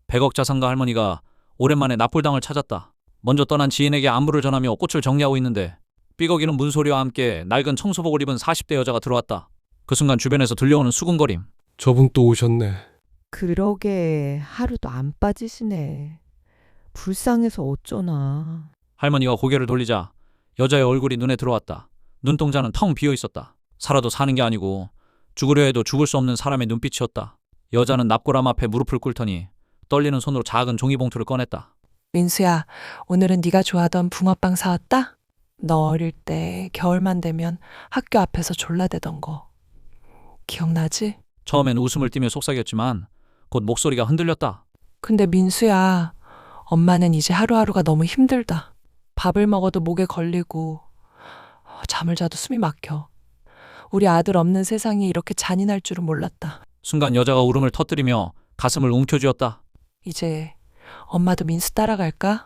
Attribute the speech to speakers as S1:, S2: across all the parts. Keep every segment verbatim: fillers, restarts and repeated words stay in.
S1: 백억 자산가 할머니가 오랜만에 납골당을 찾았다. 먼저 떠난 지인에게 안부를 전하며 꽃을 정리하고 있는데 삐걱이는 문소리와 함께 낡은 청소복을 입은 사십 대 여자가 들어왔다. 그 순간 주변에서 들려오는 수군거림.
S2: 저분 또 오셨네.
S3: 그러게 하루도 안 빠지시네. 불쌍해서 어쩌나.
S1: 할머니가 고개를 돌리자 여자의 얼굴이 눈에 들어왔다. 눈동자는 텅 비어 있었다. 살아도 사는 게 아니고 죽으려 해도 죽을 수 없는 사람의 눈빛이었다. 여자는 납골함 앞에 무릎을 꿇더니 떨리는 손으로 작은 종이봉투를 꺼냈다.
S4: 민수야, 오늘은 네가 좋아하던 붕어빵 사왔다? 너 어릴 때 겨울만 되면 학교 앞에서 졸라대던 거. 기억나지?
S1: 처음엔 웃음을 띠며 속삭였지만 곧 목소리가 흔들렸다.
S4: 근데 민수야, 엄마는 이제 하루하루가 너무 힘들다. 밥을 먹어도 목에 걸리고 잠을 자도 숨이 막혀. 우리 아들 없는 세상이 이렇게 잔인할 줄은 몰랐다.
S1: 순간 여자가 울음을 터뜨리며 가슴을 움켜쥐었다.
S4: 이제 엄마도 민수 따라갈까?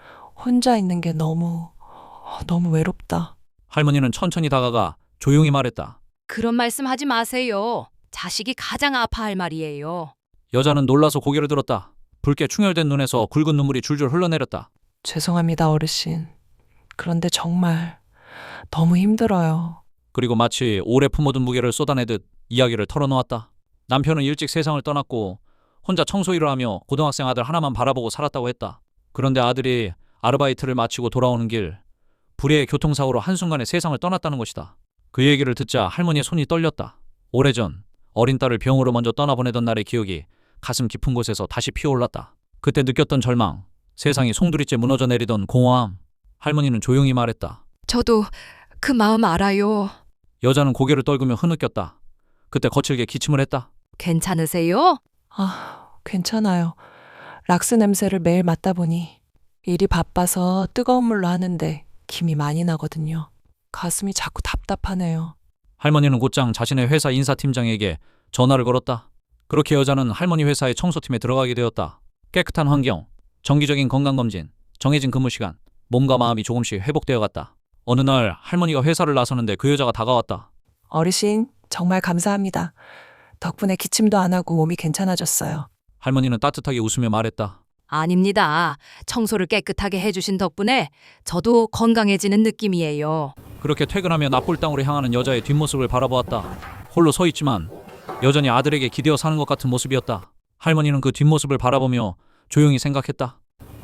S4: 혼자 있는 게 너무 너무 외롭다.
S1: 할머니는 천천히 다가가 조용히 말했다.
S5: 그런 말씀 하지 마세요. 자식이 가장 아파할 말이에요.
S1: 여자는 놀라서 고개를 들었다. 붉게 충혈된 눈에서 굵은 눈물이 줄줄 흘러내렸다.
S4: 죄송합니다, 어르신. 그런데 정말 너무 힘들어요.
S1: 그리고 마치 오래 품어둔 무게를 쏟아내듯 이야기를 털어놓았다. 남편은 일찍 세상을 떠났고 혼자 청소일을 하며 고등학생 아들 하나만 바라보고 살았다고 했다. 그런데 아들이 아르바이트를 마치고 돌아오는 길 불의의 교통사고로 한순간에 세상을 떠났다는 것이다. 그 얘기를 듣자 할머니의 손이 떨렸다. 오래전 어린 딸을 병으로 먼저 떠나보내던 날의 기억이 가슴 깊은 곳에서 다시 피어올랐다. 그때 느꼈던 절망, 세상이 송두리째 무너져 내리던 공허함. 할머니는 조용히 말했다.
S5: 저도 그 마음 알아요.
S1: 여자는 고개를 떨구며 흐느꼈다. 그때 거칠게 기침을 했다.
S5: 괜찮으세요?
S4: 아, 괜찮아요. 락스 냄새를 매일 맡다 보니 일이 바빠서 뜨거운 물로 하는데 김이 많이 나거든요. 가슴이 자꾸 답답하네요.
S1: 할머니는 곧장 자신의 회사 인사팀장에게 전화를 걸었다. 그렇게 여자는 할머니 회사의 청소팀에 들어가게 되었다. 깨끗한 환경, 정기적인 건강검진, 정해진 근무 시간, 몸과 마음이 조금씩 회복되어 갔다. 어느 날 할머니가 회사를 나서는데 그 여자가 다가왔다.
S4: 어르신, 정말 감사합니다. 덕분에 기침도 안 하고 몸이 괜찮아졌어요.
S1: 할머니는 따뜻하게 웃으며 말했다.
S5: 아닙니다. 청소를 깨끗하게 해주신 덕분에 저도 건강해지는 느낌이에요.
S1: 그렇게 퇴근하며 납골당으로 향하는 여자의 뒷모습을 바라보았다. 홀로 서 있지만 여전히 아들에게 기대어 사는 것 같은 모습이었다. 할머니는 그 뒷모습을 바라보며 조용히 생각했다.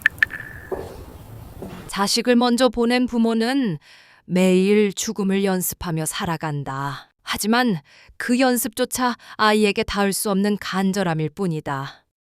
S5: 자식을 먼저 보낸 부모는 매일 죽음을 연습하며 살아간다. 하지만 그 연습조차 아이에게 닿을 수 없는 간절함일 뿐이다.